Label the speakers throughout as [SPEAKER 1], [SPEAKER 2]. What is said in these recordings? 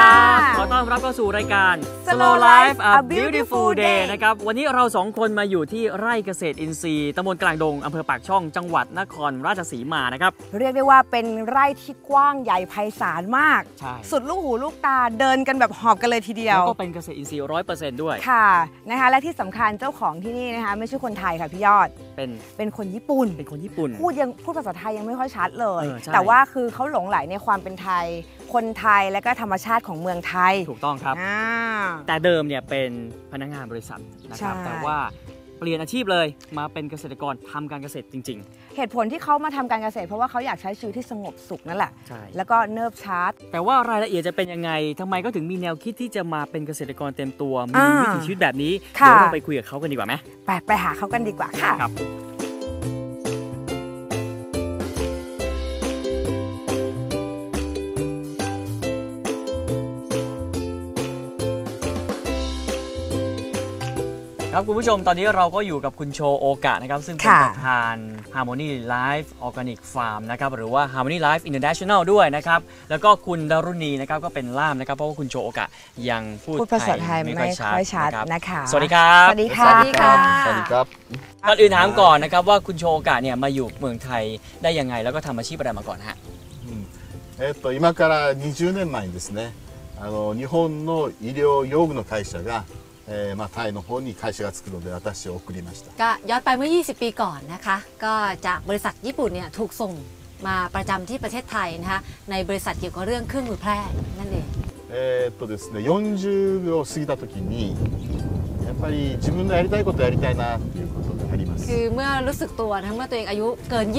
[SPEAKER 1] ขอต้อนรับเข้าสู่รายการ Slow Life a Beautiful Day นะครับวันนี้เรา2คนมาอยู่ที่ไร่เกษตรอินทรีย์ตำบลกลางดงอำเภอปากช่องจังหวัดนครราชสีมานะครับ
[SPEAKER 2] เรียกได้ว่าเป็นไร่ที่กว้างใหญ่ไพศาลมากสุดลูกหูลูกตาเดินกันแบบหอบกันเลยทีเดียว
[SPEAKER 1] แล้วก็เป็นเกษตรอินทรีย์ 100% ด้วย
[SPEAKER 2] ค่ะนะคะและที่สำคัญเจ้าของที่นี่นะคะไม่ใช่คนไทยค่ะพี่ยอดเป็นคนญี่ปุ่นพูดภาษาไทยยังไม่ค่อยชัดเลยแต่ว่าคือเขาหลงใหลในความเป็นไทยคนไทยและก็ธรรมชาติของเมืองไทย
[SPEAKER 1] ถูกต้องครับแต่เดิมเนี่ยเป็นพนักงานบริษัทนะครับแต่ว่าเปลี่ยนอาชีพเลยมาเป็นเกษตรกรทำการเกษตรจริง
[SPEAKER 2] ๆเหตุผลที่เขามาทำการเกษตรเพราะว่าเขาอยากใช้ชีวิตที่สงบสุขนั่นแหละแล้วก็เนิบช้า
[SPEAKER 1] แต่ว่ารายละเอียดจะเป็นยังไงทำไมก็ถึงมีแนวคิดที่จะมาเป็นเกษตรกรเต็มตัวมีวิถีชีวิตแบบนี้เดี๋ยวเราไปคุยกับเขากันดีกว่าไหม
[SPEAKER 2] ไปหาเขากันดีกว่าค่ะ
[SPEAKER 1] ครับคุณผู้ชมตอนนี้เราก็อยู่กับคุณโชโอกะนะครับซึ่งเป็นประธาน Harmony Life Organic Farm นะครับหรือว่า Harmony Life International ด้วยนะครับแล้วก็คุณดารุณีนะครับก็เป็นล่ามนะครับเพราะว่าคุณโชโอกะยังพูด
[SPEAKER 2] ภาษาไทยไม่ค่อยชัดนะคะ
[SPEAKER 1] สวัสดีครับ
[SPEAKER 2] สวัสดีค่ะ
[SPEAKER 3] สวัสดีครับ
[SPEAKER 1] ก่อนอื่นถามก่อนนะครับว่าคุณโชโอกะเนี่ยมาอยู่เมืองไทยได้ยังไงแล้วก็ทำอาชีพอะไรมาก่อนฮะ
[SPEAKER 3] 今から20年前にですね日本の医療用具の会社がタイの方に会社が作るので私を送りました
[SPEAKER 4] ก็ย้อนไปเมื่อ20 ปีก่อนนะคะก็จากบริษัทญี่ปุ่นเนี่ยถูกส่งมาประจำที่ประเทศไทยนะคะในบริษัทเกี่ยวกับเรื่องเครื่องมือแพทย์นั่นเอง
[SPEAKER 3] ですね40を過ぎた時にやっぱり自分のやりたいことやりたいなっていうことがあります
[SPEAKER 4] คือเมื่อรู้สึกตัวนะเมื่อตัวเองอายุเกิน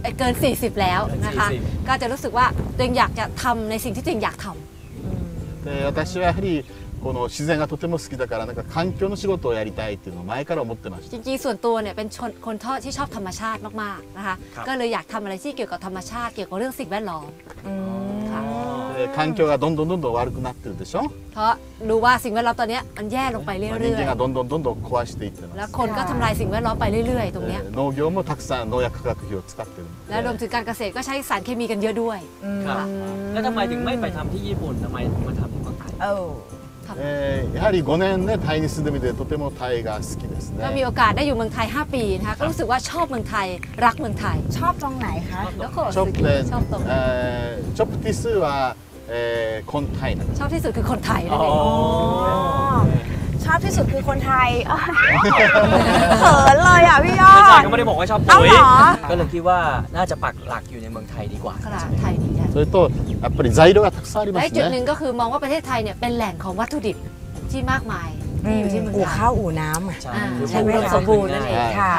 [SPEAKER 4] 40แล้วนะคะก็จะรู้สึกว่าตัวเองอยากจะทำในสิ่งที่ตัวเองอยากท
[SPEAKER 3] ำ私はやはりこの自然がとても好きだからなんか環境の仕事をやりたいっていうのを前から思ってました
[SPEAKER 4] จริงๆส่วนตัวเนี่ยเป็นคนที่ชอบธรรมชาติมากๆนะคะก็เลยอยากทำอะไรที่เกี่ยวกับธรรมชาติเกี่ยวกับเรื่องสิ่งแวดล้อม
[SPEAKER 3] 環境がどんどん悪くなってるでしょ
[SPEAKER 4] เพราะรู้ว่าสิ่งแวดล้อมตอนนี้มันแย่ลงไปเรื่อยๆ
[SPEAKER 3] 人間がどんどん壊していってます
[SPEAKER 4] แล้วคนก็ทำลายสิ่งแวดล้อมไปเรื่อยๆตรงนี้
[SPEAKER 3] 農業もたくさん農薬化学品を使ってる
[SPEAKER 4] และรวมถึงการเกษตรก็ใช้สารเคมีกันเยอะด้วย
[SPEAKER 1] แล้วทำไมถึงไม่ไปทำที่ญี่ปุ่นทำไมถึงมาทำที่เมืองไทย
[SPEAKER 3] やはり5年ねタイに住んでみてとてもタイが好きですね
[SPEAKER 4] ก็มีโอกาสได้อยู่เมืองไทย5 ปีนะคะก็รู้สึกว่าชอบเมืองไทยรักเมืองไทย
[SPEAKER 2] ชอบตรงไหนคะ
[SPEAKER 3] ชอบตรงชอบที่สุดว่าคนไทย
[SPEAKER 4] ชอบที่สุดคือคนไทยนั่นเอง
[SPEAKER 2] ชอบที่สุดคือคนไทยเขินเลยอ่ะพี่ยอด
[SPEAKER 1] อาจารย์ก็ไม่ได้บอกว่าชอบปุ๋ยก็เลยคิดว่าน่าจะปักหลักอยู่ในเมืองไทยดีกว่า
[SPEAKER 4] ไทยดี
[SPEAKER 3] それとやっぱり材料がたくさんありますね
[SPEAKER 4] และจุดหนึ่งก็คือมองว่าประเทศไทยเนี่ยเป็นแหล่งของวัตถุดิบที่มากมายที่อยู่ที่เมืองไทย
[SPEAKER 2] อู่ข้าวอู่น้ำ
[SPEAKER 4] ใช่ไหมสมบูรณ์นั่นเองค่ะ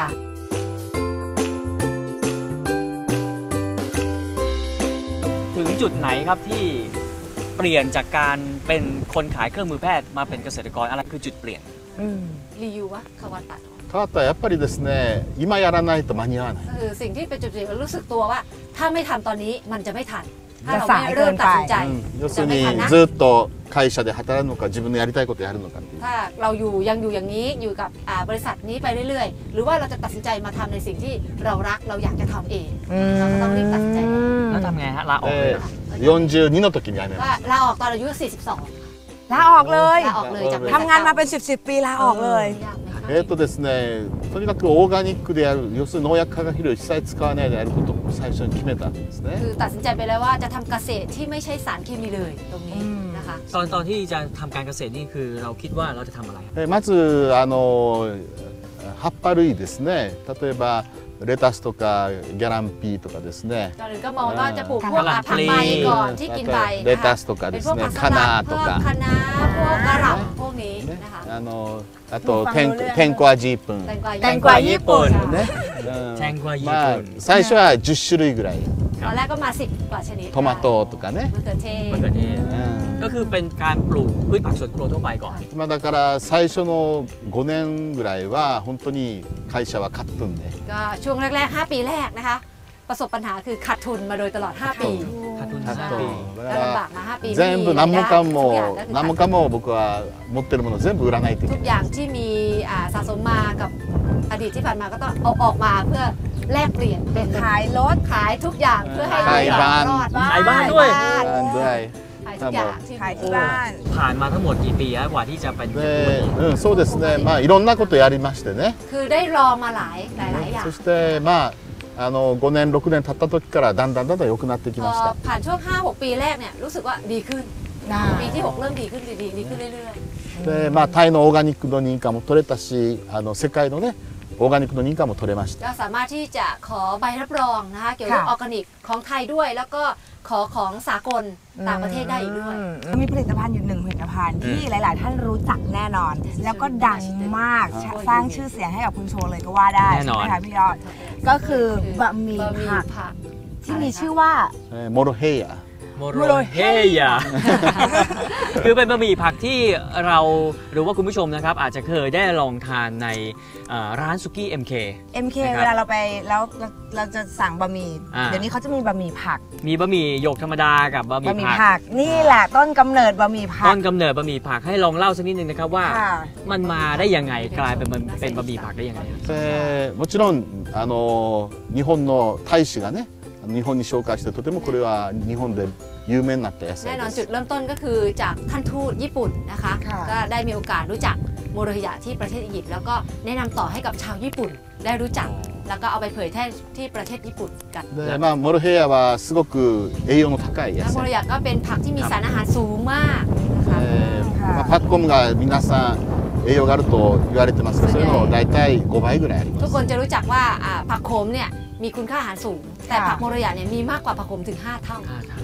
[SPEAKER 1] ถึงจุดไหนครับที่เปลี่ยนจากการเป็นคนขายเครื่องมือแพทย์มาเป็นเกษตรกรอะไรคือจุดเปลี่ยน
[SPEAKER 4] รีวิวว่าคาวาตะ
[SPEAKER 3] 変わったらやっぱりですね今やらないと間に合わない
[SPEAKER 4] คือสิ่งที่เป็นจุดเปลี่ยนรู้สึกตัวว่าถ้าไม่ทำตอนนี้มันจะไม่ทันถ้าเราไม่เริ่มตัดสินใจ
[SPEAKER 3] 要するにずっと会社で働くのか自分のやりたいことやるのか
[SPEAKER 4] ถ้าเรายังอยู่อย่างนี้อยู่กับบริษัทนี้ไปเรื่อยๆหรือว่าเราจะตัดสินใจมาทำในสิ่งที่เรารักเราอยากจะทำเองเราก็ต้องรีบตัดสินใจ
[SPEAKER 1] แล้วทำไงฮะลาออก
[SPEAKER 3] 42の時に辞めました
[SPEAKER 4] ลาออกตอนอายุ42
[SPEAKER 2] ลาออกเลยทำงานมาเป็น10 ปีลาออกเลย
[SPEAKER 3] ですねとにかくオーガニックでやる要するに農薬化学肥料を一切使わないでやることを最初に決めたんですね
[SPEAKER 4] คือตัดสินใจไปแล้วว่าจะทำเกษตรที่ไม่ใช่สารเคมีเลยตรงนี้นะคะ
[SPEAKER 1] ตอนที่จะทำการเกษตรนี่คือเราคิดว่าเราจะทำอะไร
[SPEAKER 3] まず葉っぱ類ですね例えばレタスとかギャランピーとかですね
[SPEAKER 4] ตอนนี้ก็มองว่าจะปลูกพวกผักใบก่อนที่กินใบ
[SPEAKER 3] レタスとかですねカナとか
[SPEAKER 4] คะน้าพวกกระหล่ำพวกนี้นะคะ
[SPEAKER 3] あと天候味ญี่ปุ่น
[SPEAKER 2] แตงกวาญี่ปุ่น
[SPEAKER 1] แตงกวาญี่ปุ่น
[SPEAKER 3] 最初は10種類ぐらい
[SPEAKER 4] ตอนแรกก็มา10 กว่าชนิด
[SPEAKER 3] トマトとかね
[SPEAKER 4] มะเขือเทศ
[SPEAKER 1] ก็คือเป็นการปลูกพืชผักสวนครัวทั่วไปก่อน
[SPEAKER 3] だから最初の5年ぐらいは本当に会社はカットンで
[SPEAKER 4] ก็ช่วงแรกๆ5 ปีแรกนะคะประสบปัญหาคือขาดทุนมาโดยตลอด5 ปี
[SPEAKER 1] ขาดทุน5 ปี
[SPEAKER 4] ลำบากมา5 ปี
[SPEAKER 3] 全部何もかも僕は持ってるもの全部売らないといけない
[SPEAKER 4] ทุกอย่างที่มีสะสมมากับอดีตที่ผ่านมาก็ต้องเอาออกมาเพื่อแลกเปลี่ยนเป็น
[SPEAKER 2] ขายรถ
[SPEAKER 4] ขายทุกอย่างเพื่อให้
[SPEAKER 3] ขายบ้าน
[SPEAKER 1] ขายบ้านด้วย
[SPEAKER 4] ขายายทุกอย่างที่
[SPEAKER 2] ขายที่บ้าน
[SPEAKER 1] ผ่านมาทั้งหมดกี่ปีแล้วกว่าที่จะเป็น
[SPEAKER 3] で、そうですね。まあいろんなことやりましてね。
[SPEAKER 4] คือได้ลองมาหลายอย่าง
[SPEAKER 3] そしてまあ5年6年経った時からだんだん良くなってき
[SPEAKER 4] พ
[SPEAKER 3] ま
[SPEAKER 4] อ
[SPEAKER 3] した。
[SPEAKER 4] ผ่านช่วง 5-6 ปีแรกเนี่ยรู้สึกว่าดีขึ้นปีที่ 6 เริ่มดีขึ้นดีขึ้นเรื่อย
[SPEAKER 3] で、まあタイのオーガニックの認可も取れたし、世界のねオーガニックの認可も取れました。
[SPEAKER 4] ๆก็สามารถที่จะขอใบรับรองนะคะเกี่ยวกับออร์แกนิกของไทยด้วยแล้วก็ขอของสากลต่างประเทศได้อีกด้วย
[SPEAKER 2] มีผลิตภัณฑ์อยู่หนึ่งผลิตภัณฑ์ที่หลาย ๆ ท่านรู้จักแน่นอน แล้วก็ดังมากสร้างชื่อเสียงให้กับคุณโชว์เลยก็ว่าได้ใช่ไหมคะพี่ยอดก็คือบะหมี่ผักที่มีชื่อว่า
[SPEAKER 3] モロヘイヤ。
[SPEAKER 1] โมโรเฮยา คือเป็นบะหมี่ผักที่เราหรือว่าคุณผู้ชมนะครับอาจจะเคยได้ลองทานในร้านซุกี้ MK
[SPEAKER 2] เวลาเราไปแล้วเราจะสั่งบะหมี่เดี๋ยวนี้เขาจะมีบะหมี่ผัก
[SPEAKER 1] มีบะหมี่หยกธรรมดากับบะหมี่ผัก
[SPEAKER 2] นี่แหละต้นกำเนิดบะหมี่ผัก
[SPEAKER 1] ต้นกำเนิดบะหมี่ผักให้ลองเล่าสักนิดนึงนะครับว่ามันมาได้ยังไงกลายเป็นบะหมี่ผักได้ยังไง
[SPEAKER 3] もちろん日本の大使がね日本に紹介してとてもこれは日本で有名になった野菜
[SPEAKER 4] แน่นอน
[SPEAKER 3] です
[SPEAKER 4] จุดเริ่มต้นก็คือจากท่านทูตญี่ปุ่นนะคะก็ได้มีโอกาสรู้จักโมโรฮิยะที่ประเทศอียิปต์แล้วก็แนะนำต่อให้กับชาวญี่ปุ่นได้รู้จักแล้วก็เอาไปเผยแพร่ที่ประเทศญี่ปุ่นกัน
[SPEAKER 3] で、まあモロヘイヤはすごく栄養の高い野
[SPEAKER 4] แล้วโมโร
[SPEAKER 3] 菜
[SPEAKER 4] ฮิยะก็เป็นผักที่มีสารอาหารสูงมากนะคะ
[SPEAKER 3] まあ、パッコムが皆さん栄養があると言われてますけど、そういうの大体5倍ぐらいありま
[SPEAKER 4] ทุก
[SPEAKER 3] す。
[SPEAKER 4] คนจะรู้จักว่าผักโขมเนี่ยมีคุณค่าอาหารสูง แต่ผักโมโรฮิยะเนี่ยมีมากกว่าผักโขมถึง 5 เท่า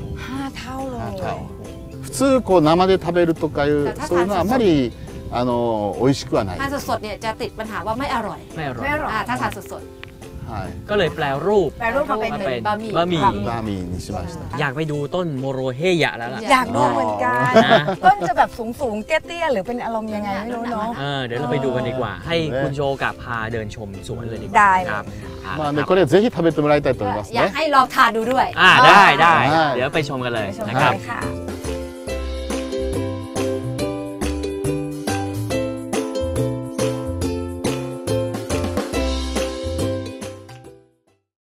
[SPEAKER 2] 5 เท่าเลย
[SPEAKER 3] 普通こう生で食べるとかいうそういうのはあんまり美味しくはない。
[SPEAKER 4] ทานสดๆเนี่ยจะติดปัญหาว่าไม่อร่อย
[SPEAKER 1] ไม่อร่อย
[SPEAKER 2] ไม่อร่อย
[SPEAKER 4] ถ้าทานสด
[SPEAKER 3] はい。
[SPEAKER 1] ก็เลยแปลรูป
[SPEAKER 2] แปลรูปมาเป็น
[SPEAKER 4] บะหมี่
[SPEAKER 1] บะหมี่
[SPEAKER 3] バーミーにしました。
[SPEAKER 1] อยากไปดูต้นโมโรเฮยะแล้วล่ะ
[SPEAKER 2] อยากดูเหมือนกัน
[SPEAKER 1] นะ
[SPEAKER 2] ต้นจะแบบสูงๆเตี้ยๆหรือเป็นอารมณ์ยังไงไม่รู้เนาะ
[SPEAKER 1] เดี๋ยวเราไปดูกันดีกว่า ให้คุณโชกับพาเดินชมสวนเลยดีกว่า
[SPEAKER 2] ได้
[SPEAKER 1] ครับ
[SPEAKER 3] まあねこれぜひ食べてもらいたいと思います
[SPEAKER 4] อยาก
[SPEAKER 3] ね。
[SPEAKER 4] ให้ลองทานดูด้วย
[SPEAKER 1] ได้
[SPEAKER 3] はい
[SPEAKER 1] เดี๋ยวไปชมกันเลย
[SPEAKER 2] ไปชม
[SPEAKER 1] นะ
[SPEAKER 2] กั
[SPEAKER 1] ครับ
[SPEAKER 2] นเลยค่ะ